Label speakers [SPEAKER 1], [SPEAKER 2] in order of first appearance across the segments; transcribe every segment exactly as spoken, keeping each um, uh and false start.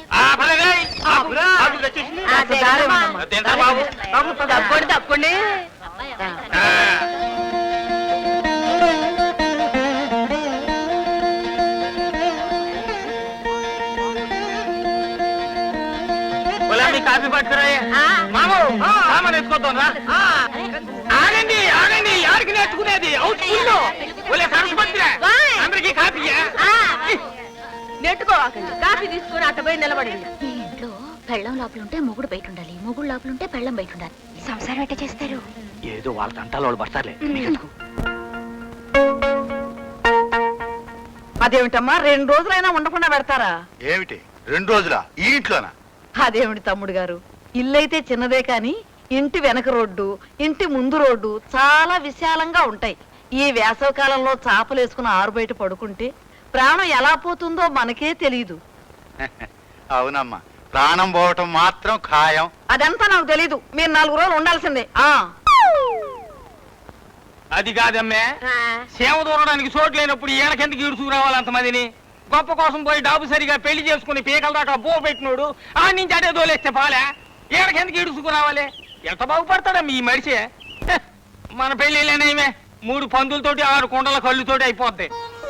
[SPEAKER 1] తప్పండి తప్పండి. కాఫీ పట్టుకురా మామూ సామాన్ ఎత్తుకోద్దాం రా. ఆగండి ఆగండి, ఎవరికి నేర్చుకునేది అందరికి కాఫీ నెట్టుకోవాకండి. కాఫీ తీసుకుని అట్ట పోయి నిలబడింది.
[SPEAKER 2] ఈ ఇంట్లో పెళ్ళం లోపలుంటే మొగుడు బయట ఉండాలి, మొగుడు లోపలుంటే పెళ్ళం బయట ఉండాలి. సంసారం ఎట్ట చేస్తారు?
[SPEAKER 3] ఏదో వాళ్ళ తంటాలు వాళ్ళు పడతారులే.
[SPEAKER 1] అదేమిటమ్మా, రెండు రోజులైనా ఉండకుండా పెడతారా?
[SPEAKER 4] ఏమిటి రెండు రోజులా ఈ ఇంట్లోనా?
[SPEAKER 1] అదేమిటి తమ్ముడు గారు, ఇల్లైతే చిన్నదే కాని ఇంటి వెనక రోడ్డు ఇంటి ముందు రోడ్డు చాలా విశాలంగా ఉంటాయి. ఈ వేసవ కాలంలో చాపలు వేసుకుని ఆరు బయట పడుకుంటే ప్రాణం ఎలా పోతుందో మనకే తెలియదు.
[SPEAKER 4] అవునమ్మా, ప్రాణం పోవటం మాత్రం ఖాయం.
[SPEAKER 1] అదంతా నాకు తెలీదు, మీరు నాలుగు రోజులు ఉండాల్సిందే. ఆ
[SPEAKER 3] అది కాదమ్మే, సేవ దూరడానికి చోటు లేనప్పుడు ఈయనకెందుకు ఈడుచుకురావాలి అంతమందిని? గొప్ప కోసం పోయి డాబు సరిగా పెళ్లి చేసుకుని పీకల దాకా బో పెట్టినోడు ఆ నుంచి అదే దోలేస్తే పాలే, ఈయనకెందుకు ఈడుచుకురావాలి? ఎంత బాగుపడతాడమ్మ ఈ మనిషి. మన పెళ్లిలేనేమే మూడు పందులతోటి ఆరు కొండల కళ్ళుతోటి అయిపోద్ది.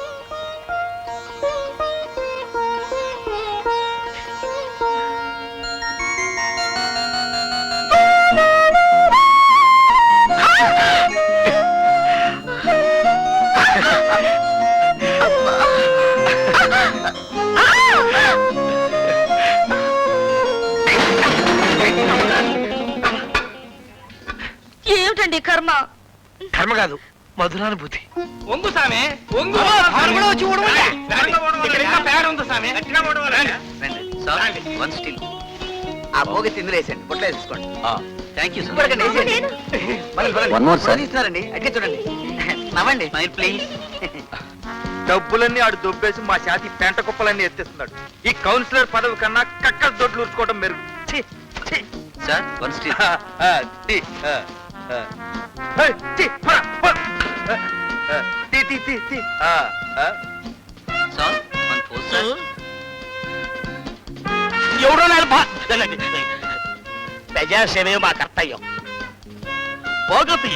[SPEAKER 1] ఏమిటండి కర్మ?
[SPEAKER 3] కర్మ కాదు, మధురానుభూతి. ఒంగు సామె ఒంగు.
[SPEAKER 5] ఆ భోగి తిందులు వేసండి, పొట్లో వేసుకోండి. థ్యాంక్ యూ ఇస్తున్నారండి. అట్లా చూడండి, నవ్వండి ప్లీజ్.
[SPEAKER 3] డబ్బులన్నీ ఆడు దొబ్బేసి మా శాతి పెంట కుప్పలన్నీ ఎత్తేస్తున్నాడు. ఈ కౌన్సిలర్ పదవి కన్నా కక్క దొడ్లు ఊరుకోవడం మెరుగు.
[SPEAKER 5] Sir one still.
[SPEAKER 3] ఎవడో ప్రజాసేవే మా కర్తవ్యం. పోగొప్పి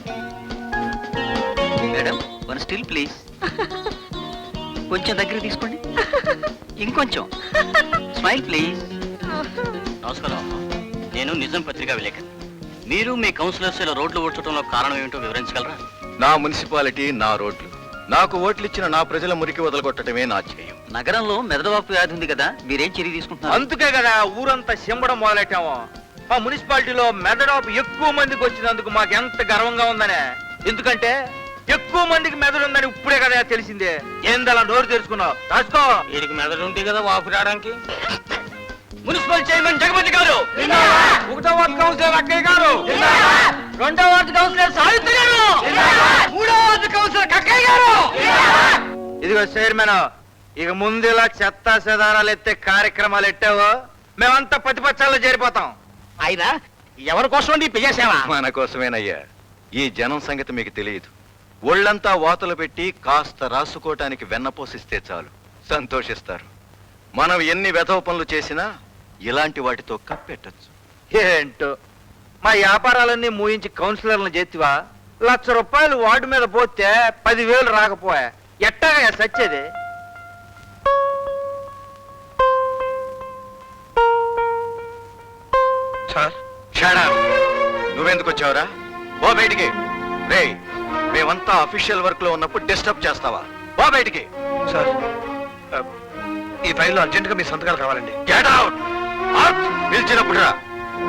[SPEAKER 5] మేడం వన్ స్టిల్ ప్లీజ్. కొంచెం దగ్గర తీసుకోండి, ఇంకొంచెం. Smile please.
[SPEAKER 6] నమస్కారం అమ్మా, నేను నిజం పత్రికా విలేకరి. మీరు మీ కౌన్సిలర్స్ ఇలా రోడ్లు ఓడ్చడంలో కారణం ఏమిటో వివరించగలరా?
[SPEAKER 4] నా మున్సిపాలిటీ, నా రోడ్లు, నాకు ఓట్లు ఇచ్చిన నా ప్రజల మురికి వదలగొట్టడమే నా ధ్యేయం.
[SPEAKER 5] నగరంలో మెదడువాపు వ్యాధి ఉంది కదా, మీరేం చర్య తీసుకుంటున్నారు?
[SPEAKER 3] అందుకే కదా ఊరంతా చెంబడం మొదలెట్టాము. ఆ మున్సిపాలిటీలో మెదడాపు ఎక్కువ మందికి వచ్చినందుకు మాకు ఎంత గర్వంగా ఉందనే. ఎందుకంటే ఎక్కువ మందికి మెదడు ఉందని ఇప్పుడే కదా తెలిసిందే. ఏందలా నోరు తెరుచుకున్నావు? రాసుకో. వీడికి మెదడు ఉంటే కదా వాపు రావడానికి. మున్సిపల్ చైర్మన్ జగపతి గారు, ఒకటో వార్డు కౌన్సిలర్ అక్కయ్య గారు, రెండో వార్డు కౌన్సిలర్ సావిత్రి గారు, మూడో వార్డు కౌన్సిలర్ కక్కయ్య గారు. ఇదిగో చైర్మన్, ఇక ముందు ఇలా చెత్త చెదారాలు ఎత్తే కార్యక్రమాలు ఎట్టావో మేమంతా ప్రతిపక్షాల్లో చేరిపోతాం. అయినా ఎవరి కోసం ప్రజాసేవ?
[SPEAKER 4] మన కోసమేనయ్యా. ఈ జనం సంగతి మీకు తెలియదు. ఒళ్ళంతా వాతలు పెట్టి కాస్త రాసుకోవటానికి వెన్నపోసిస్తే చాలు, సంతోషిస్తారు. మనం ఎన్ని వెధవ పనులు చేసినా ఇలాంటి వాటితో కప్పెట్టచ్చు.
[SPEAKER 3] ఏంటో మా వ్యాపారాలన్నీ మూయించి కౌన్సిలర్లను చేతివా? లక్ష రూపాయలు వార్డు మీద పోతే పదివేలు రాకపోయా ఎట్టాగా సచ్చేది?
[SPEAKER 4] నువ్వెందుకు వచ్చావురా? ఓ బయటికి. రే, మేమంతా అఫీషియల్ వర్క్ లో ఉన్నప్పుడు డిస్టర్బ్ చేస్తావా? ఓ బయటికి.
[SPEAKER 3] సార్, ఈ ఫైల్లో అర్జెంట్ గా మీ సంతకాలు కావాలండి.
[SPEAKER 4] Get out. పిలిచినప్పుడు రా.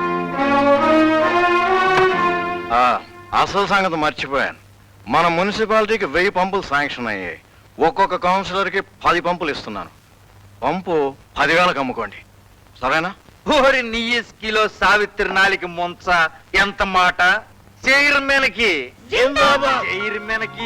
[SPEAKER 4] అసలు సంగతి మర్చిపోయాను. మన మున్సిపాలిటీకి వెయ్యి పంపులు శాంక్షన్ అయ్యాయి. ఒక్కొక్క కౌన్సిలర్ కి పది పంపులు ఇస్తున్నాను. పంపు పదివేలకు అమ్ముకోండి, సరేనా?
[SPEAKER 3] ఓరి నీ కిలో సావిత్రి నాలికి ముంచ ఎంత మాట. చైర్మన్ కి చైర్మన్ కి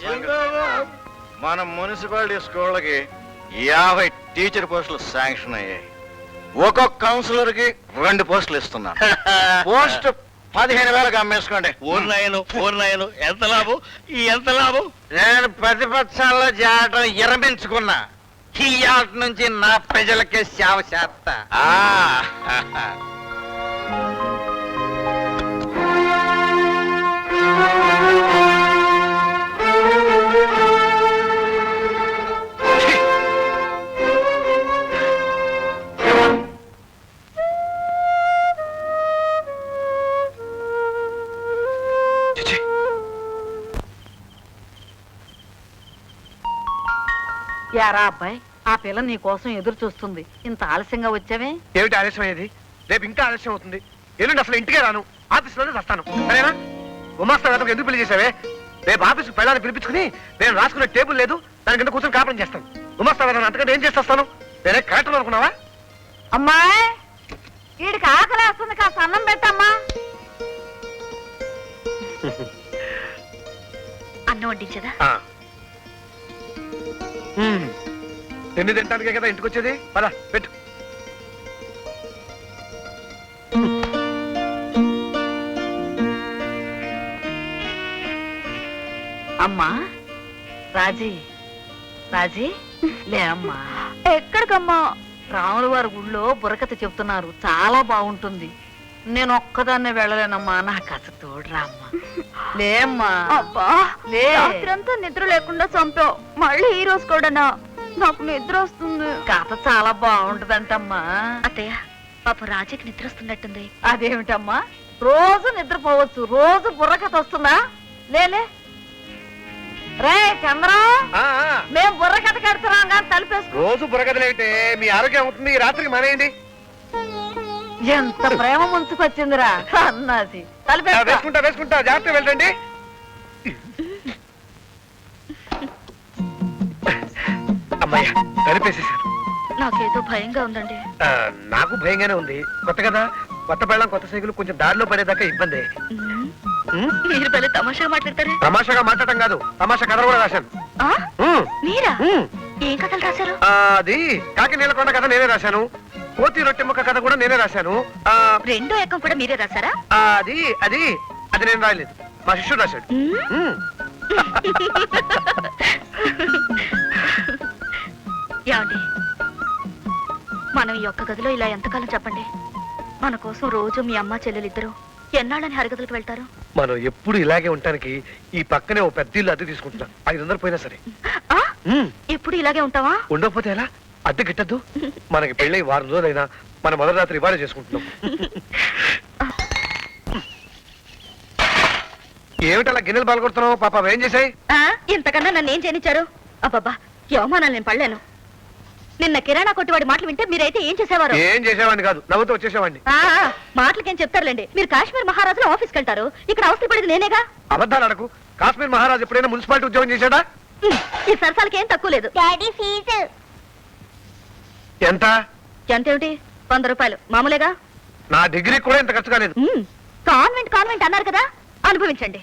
[SPEAKER 4] మన మున్సిపాలిటీ స్కూళ్ళకి యాభై టీచర్ పోస్టులు శాంక్షన్ అయ్యాయి. ఒక్కొక్క కౌన్సిలర్ కి రెండు పోస్టులు ఇస్తున్నాను. పోస్ట్ పదిహేను వేలకు అమ్మేసుకోండి.
[SPEAKER 6] ఊర్నాయను ఊర్నాయను ఎంత లాభం? ఈ ఎంత లాభం?
[SPEAKER 3] నేను ప్రతిపక్షాల్లో చేరటం విరమించుకున్నా. ఇయాటి నుంచి నా ప్రజలకే సేవ చేస్తా
[SPEAKER 4] ఆ, చిచి.
[SPEAKER 1] యారా అబ్బాయి, ఆ పిల్ల నీ కోసం ఎదురు చూస్తుంది. ఇంత ఆలస్యంగా వచ్చావే?
[SPEAKER 7] ఏమిటి ఆలస్యం అయ్యేది? రేపు ఇంకా ఆలస్యం అవుతుంది. ఎల్లుండి అసలు ఇంటికే రాను, ఆఫీస్లోనే వస్తాను. సరేనా? గుమాస్తా వేతకు ఎందుకు పెళ్లి చేసావే? రేపు ఆఫీస్కి పెళ్ళాలని పిలిపించుకుని నేను రాసుకునే టేబుల్ లేదు, దాని కింద కూర్చొని కాపురం చేస్తాను. గుమాస్తా వేతను అంతకంటే ఏం చేస్తాను? నేనే కరెక్ట్ అనుకున్నావా?
[SPEAKER 1] అమ్మాయి, వీడికి ఆకలి వస్తుంది, కాస్త అన్నం పెట్టమ్మా.
[SPEAKER 2] అన్నం వడ్డించదా?
[SPEAKER 7] ఆ. మ్మ్. తిండి తింటానికే కదా ఇంటికి వచ్చేది. పద పెట్టు.
[SPEAKER 1] అమ్మా రాజీ, రాజీ లే అమ్మా.
[SPEAKER 2] ఎక్కడికమ్మా?
[SPEAKER 1] రాముల వారి గుళ్ళో బుర్రకథ చెప్తున్నారు, చాలా బాగుంటుంది. నేను ఒక్కదాన్నే వెళ్ళలేనమ్మా, నాకు కాస్త తోడురా అమ్మా. లేమ్మా.
[SPEAKER 2] అబ్బా,
[SPEAKER 1] లే.
[SPEAKER 2] రాత్రంతా నిద్ర లేకుండా చంపావు, మళ్ళీ ఈ రోజు కూడానా? నాకు నిద్ర వస్తుంది.
[SPEAKER 1] కథ చాలా బాగుంటదంటమ్మా.
[SPEAKER 2] అత్తయ్య, పాప రాజీకి నిద్ర వస్తున్నట్టుంది.
[SPEAKER 1] అదేమిటమ్మా, రోజు నిద్రపోవచ్చు, రోజు బుర్రకథ వస్తుందా? లేలే రే చంద్రం,
[SPEAKER 7] ఆ, ఆ.
[SPEAKER 1] మేము బుర్రకథ కడుతున్నాం కానీ తలుపేసుకో.
[SPEAKER 7] రోజు బుర్రగదులైతే మీ ఆరోగ్యం అవుతుంది. ఈ రాత్రికి మానేయండి.
[SPEAKER 1] ఎంత ప్రేమ ముంచుకొచ్చిందిరా అన్నాసి.
[SPEAKER 7] ఆ,
[SPEAKER 1] తలుపేసుకో.
[SPEAKER 7] వేసుకుంటా వేసుకుంటా జాగ్రత్త వెళ్ళండి. అమ్మాయ్యా, కలిపేసేసాను.
[SPEAKER 2] నాకేదో భయంగా ఉందండి.
[SPEAKER 7] ఆ, నాకు భయంగానే ఉంది. కొత్త కదా, కొత్త పెళ్ళం కొత్త సైకిల్ కొంచెం దారిలో పడేదాకా ఇబ్బంది. ఉమ్,
[SPEAKER 2] మీరు పెళ్లి తమాషాగా మాట్లాడతారే.
[SPEAKER 7] తమాషాగా మాట్లాడటం కాదు, తమాషా కథ కూడా రాశాను.
[SPEAKER 2] ఆ?
[SPEAKER 7] ఉమ్,
[SPEAKER 2] మీరా?
[SPEAKER 7] ఉమ్.
[SPEAKER 2] ఏం కథలు రాశారు?
[SPEAKER 7] ఆ, అది కాకి నీలకొండ కథ నేనే రాశాను. కోతి రొట్టె ముక్క కథ కూడా నేనే రాశాను. ఆ,
[SPEAKER 2] రెండో ఏకం కూడా మీరే రాశారా?
[SPEAKER 7] ఆ, అది అది అది నేను రాయలేదు, మా శిష్యుడు రాశాడు. ఉమ్.
[SPEAKER 2] ఏమండి, మనం ఈ ఒక్క గదిలో ఇలా ఎంతకాలం చెప్పండి? మన కోసం రోజు మీ అమ్మ చెల్లెలిద్దరూ ఎన్నాళ్ళని హరిగదులకు వెళ్తారు?
[SPEAKER 7] మనం ఎప్పుడు ఇలాగే ఉండటానికి ఈ పక్కనే ఓ పెద్ద ఇల్లు అద్దె తీసుకుంటున్నాం. ఐదు వందలు పోయినా సరే.
[SPEAKER 2] ఆ?
[SPEAKER 7] ఉమ్.
[SPEAKER 2] ఎప్పుడు ఇలాగే ఉంటావా?
[SPEAKER 7] ఉండకపోతే ఎలా? అద్దె గిట్టద్దు. మనకి పెళ్ళై వారం రోజులైనా మన మొదటి రాత్రి ఇవాళ చేసుకుంటున్నాం. ఏమిటలా గిన్నెలు బాలకొడుతున్నావు? పాప ఏం చేసాయి?
[SPEAKER 2] ఆ? ఇంతకన్నా నన్ను ఏం చేయనిచ్చారు? అబ్బబ్బా, ఈ అవమానాలు నేను పడలేను. నిన్న కిరాణా కొట్టివాడి మాటలు వింటే మీరైతే ఏం చేసేవారు?
[SPEAKER 7] ఏం చేసేవాడిని కాదు, నవ్వుతూ వచ్చేసేవాడిని.
[SPEAKER 2] ఆ, ఆ, మాటలకేం చెప్తారులేండి. మీరు కాశ్మీర్ మహారాజులో ఆఫీస్కి వెళ్తారు, ఇక్కడ అవసరం పడేది నేనేగా.
[SPEAKER 7] అబద్ధాలు అడకు. కాశ్మీర్ మహారాజు ఎప్పుడైనా మున్సిపాలిటీ ఉద్యోగం చేశాడా?
[SPEAKER 2] ఉమ్, ఈ సరసాలకి ఏం తక్కువ లేదు. డాడీ ఫీజు
[SPEAKER 7] ఎంత?
[SPEAKER 2] ఎంతేమిటి? వంద రూపాయలు మామూలేగా.
[SPEAKER 7] నా డిగ్రీ కూడా ఇంత ఖర్చు కాలేదు.
[SPEAKER 2] ఉమ్, కాన్వెంట్ కాన్వెంట్ అన్నారు కదా, అనుభవించండి.